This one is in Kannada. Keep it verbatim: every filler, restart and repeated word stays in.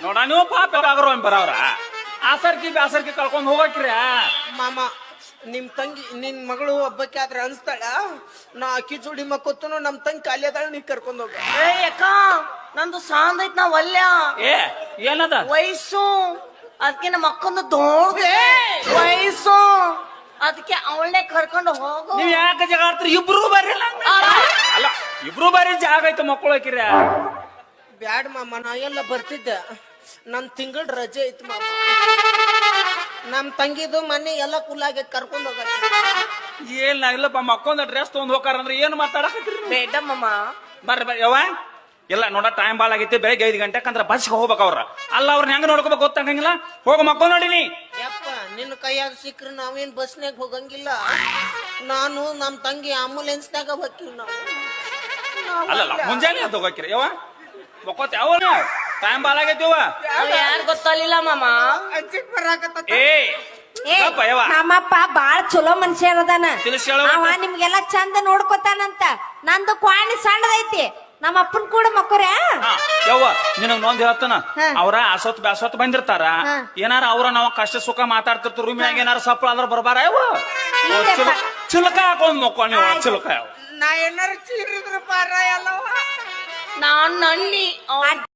ನೋಡ ನೀವು ಪಾಪ ಆಗರೋ ಬರವ್ರ ಆಸರ್ಕಿ ಬ್ಯಾಸರ್ಕಿ ಕಳ್ಕೊಂಡ್ ಹೋಗಕ್ರಿ ಮಾಮ ನಿಮ್ ತಂಗಿ ನಿನ್ ಮಗಳು ಒಬ್ಬಕ್ಕೆ ಆದ್ರೆ ಅನ್ಸ್ತಾಳ ನಾ ಅಕ್ಕಿ ಜೋಡಿ ಮಕ್ಕೊತ್ತನು ನಮ್ ತಂಗಿ ಖಾಲಿ ಅದಾಳ ನೀ ಕರ್ಕೊಂಡ್ ಹೋಗ. ಏ ಅಕ್ಕ ನಂದು ಸಾಂದ್ ಐತ್ ನಾ ಒಲ್ಯ ಏ ಏನದ ವಯಸ್ಸು ಅದಕ್ಕೆ ನಮ್ಮ ಅಕ್ಕಂದು ದೊಡ್ಡ ವಯಸ್ಸು ಅದಕ್ಕೆ ಅವಳನ್ನೇ ಕರ್ಕೊಂಡು ಹೋಗು. ನೀವ್ ಯಾಕೆ ಜಗ ಆಡ್ತೀರಿ ಇಬ್ರು ಬರ್ರಿ ಅಲ್ಲ ಇಬ್ರು ಬಾರಿ ಜಾಗ ಐತೆ ಮಕ್ಕಳು ಹಾಕಿರ ಬ್ಯಾಡ್ ಮಾಮ ನಾ ಎಲ್ಲ ಬರ್ತಿದ್ದೆ ನನ್ ತಿಂಗಳ ರಜೆ ಐತ್ ಮಾಮ ನಮ್ ತಂಗಿದು ಮನೆ ಎಲ್ಲ ಕುಲ್ಲಾಗೆ ಕರ್ಕೊಂಡ್ ಹೋಗ. ಏನ್ ಇಲ್ಲಪ್ಪ ಮಕ್ಕೊಂದ ಡ್ರೆಸ್ ತಗೊಂಡ್ ಹೋಗಾರ ಅಂದ್ರೆ ಏನ್ ಮಾತಾಡಕತ್ತೀರಿ ಬೇಡ ಮಾಮ ಬರ್ರಿ ಬರ್ರಿ ಯವ್ವ ಇಲ್ಲ ನೋಡ ಟೈಮ್ ಬಾಳ ಆಗೈತಿ ಬೆಳಗ್ಗೆ ಐದು ಗಂಟೆಕ್ ಅಂದ್ರೆ ಬಸ್ಗೆ ಹೋಗ್ಬೇಕು ಅವ್ರ ಅಲ್ಲ ಅವ್ರನ್ನ ಹೆಂಗ ನೋಡ್ಕೋಬೇಕು ಗೊತ್ತಾಗಂಗಿಲ್ಲ ಹೋಗ ಮಕ್ಕೊಂಡ್ ನೋಡಿನಿ. ಯಪ್ಪ ನಿನ್ನ ಕೈಯಾಗ ಸಿಕ್ಕ್ರ ನಾವೇನ್ ಬಸ್ನಾಗ ಹೋಗಂಗಿಲ್ಲ ನಾನು ನಮ್ ತಂಗಿ ಆಂಬುಲೆನ್ಸ್ನಾಗ ಹೋಗ್ತೀವಿ ನಾವು. ಅಲ್ಲಲ್ಲ ಮುಂಜಾನೆ ಅಂತ ಹೋಗಕ್ಕಿರಿ ಯವ್ವ ಮಕ್ಕೋತ ಯಾವ ಟೈಮ್ ಬಾಳ ಆಗೈತಿ ಯವ್ವ ಯಾರು ಗೊತ್ತಾಗಲಿಲ್ಲ ಮಾಮ. ಅಜ್ಜಿಗ್ ಬರಾಕತ್ತ ಏ ಏ, ನಮ್ಮಪ್ಪ ಬಾಳ ಚಲೋ ಮನುಷ್ಯ ಅದಾನ. ತಿಳಿಸಿ ಹೇಳು. ಅವ ನಿಮ್ಗೆಲ್ಲಾ ಚಂದ ನೋಡ್ಕೊತಾನಂತ. ನಂದು ಕ್ವಾಣಿ ಸಣ್ಣದೈತಿ. ನಮ್ಮ ಅಪ್ಪನ್ ಕೂಡ ಮಕ್ಕೋರ ಯವ್ವ ನಿನಗ್ ನೊಂದ್ ಹೇಳ್ತಾನ ಹಾ. ಅವ್ರ ಅಸೊತ್ ಬ್ಯಾಸೊತ್ ಬಂದಿರ್ತಾರ ಹಾ. ಏನಾರ ಅವ್ರ ನಾವ್ ಕಷ್ಟ ಸುಖ ಮಾತಾಡ್ತಿರ್ತಾರ ರೂಮಿನಾಗ ಏನಾರ ಸಪ್ಪಳ ಅಂದ್ರ ಬರ್ಬಾರ ಯವ್ವ ಇಲ್ಲಪ್ಪ. ಚಿಲಕ ಹಾಕೊಂಡ್ ಮಕ್ಕೋ ನೀವು ಚಿಲಕ ಯಾವ ನಾ ಏನಾರ ಚೀರಿದ್ರ ಪಾರ ಎಲ್ಲವ ನಾನ್ ನನ್ನಿ